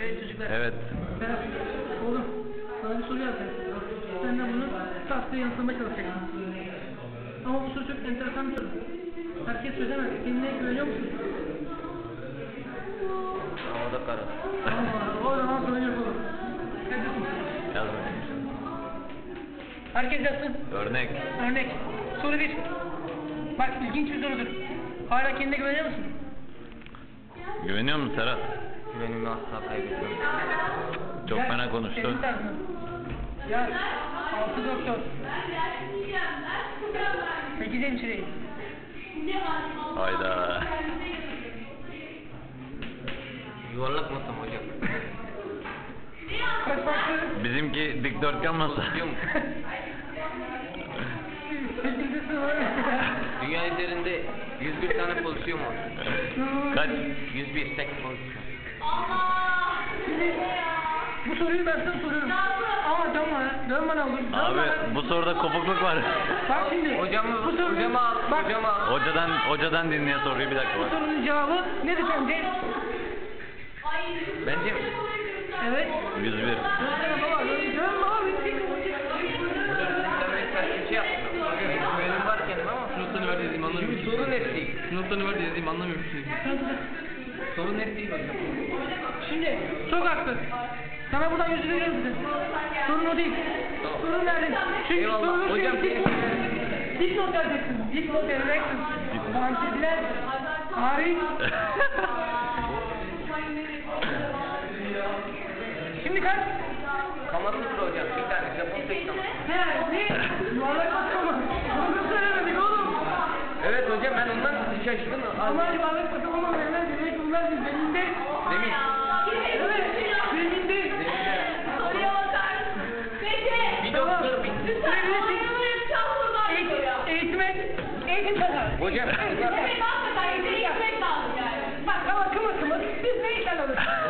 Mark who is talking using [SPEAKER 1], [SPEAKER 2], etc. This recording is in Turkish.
[SPEAKER 1] Evet çocuklar.
[SPEAKER 2] Evet.
[SPEAKER 1] Berat, oğlum sana bir soru yazacağım. Sen de bunu tahtaya yanıtlamaya çalışacaksın. Ama bu soru çok enteresan bir soru. Herkes çözemez. Kendine güveniyor musun?
[SPEAKER 2] O da kara.
[SPEAKER 1] O zaman sorun yok oğlum.
[SPEAKER 2] Yaz bakayım.
[SPEAKER 1] Herkes yazsın.
[SPEAKER 2] Örnek.
[SPEAKER 1] Örnek. Soru 1. Bak ilginç bir sorudur. Hala kendine güveniyor musun?
[SPEAKER 2] Güveniyor musun Serhat?
[SPEAKER 3] Güvenimi asla kaybetmem.
[SPEAKER 2] Çok
[SPEAKER 1] Gel,
[SPEAKER 2] fena konuştu.
[SPEAKER 1] senin tarzın. Yaz. 6 doktor. 8 hemşire.
[SPEAKER 2] Hayda.
[SPEAKER 3] Yuvarlak masam hocam.
[SPEAKER 1] Kaç farklı?
[SPEAKER 2] Bizimki dikdörtgen masa.
[SPEAKER 3] Pozisyum.
[SPEAKER 1] 8. sınıf.
[SPEAKER 3] Dünya üzerinde 101 tane pozisyon var.
[SPEAKER 2] Kaç?
[SPEAKER 3] 101 tek pozisyon.
[SPEAKER 1] Şimdi bu soruyu ben sana soruyorum. Ama dönme ne olur.
[SPEAKER 2] Abi bu soruda kopukluk var.
[SPEAKER 1] Bak şimdi.
[SPEAKER 3] Hocamı
[SPEAKER 1] bu soru-
[SPEAKER 3] al.
[SPEAKER 1] Bak,
[SPEAKER 3] Hocamı al.
[SPEAKER 2] Hocadan dinleye soruyu bir dakika
[SPEAKER 1] bu
[SPEAKER 2] bak.
[SPEAKER 1] sorunun cevabı nedir sence?
[SPEAKER 3] Bence mi?
[SPEAKER 1] Evet.
[SPEAKER 2] 101.
[SPEAKER 1] Dönsene baba. Dön baba.
[SPEAKER 3] Sen beni ters bir şey yaptın. Güvenim var kendime ama.
[SPEAKER 4] Notlarını ver dediğimi anlamıyorum.
[SPEAKER 3] Çünkü sorun net değil.
[SPEAKER 4] Notlarını ver dediğimi anlamıyorum.
[SPEAKER 3] Sorun net değil hocam.
[SPEAKER 1] Şimdi çok haklı. Sana buradan 100 veriyorum size. Sorun o değil.
[SPEAKER 3] Tamam.
[SPEAKER 1] Sorun nerede? Çünkü
[SPEAKER 3] Eyvallah.
[SPEAKER 1] sorunun
[SPEAKER 3] Hocam,
[SPEAKER 1] dipnot vereceksin. Dipnot vereceksin. Fantezler hariç. Şimdi kaç?
[SPEAKER 3] Kamasutra hocam. Bir tane Japon tek kaması.
[SPEAKER 1] Ne? Yuvarlak bakıyor mu? Onu söylemedik oğlum.
[SPEAKER 3] Evet hocam ben ondan şaşırdım.
[SPEAKER 1] Ama yuvarlak bakıyor ama demek bunlar zeminde.
[SPEAKER 3] Zemin.
[SPEAKER 1] Evet. Zeminde.
[SPEAKER 5] Soruya bakar. Peki.
[SPEAKER 3] Bir doktor bir.
[SPEAKER 1] Eğitim kazanır.
[SPEAKER 3] Hocam.
[SPEAKER 5] Evet, hakikaten eğitmek lazım yani.
[SPEAKER 1] Bak ama kımır kımır biz ne işler alırız?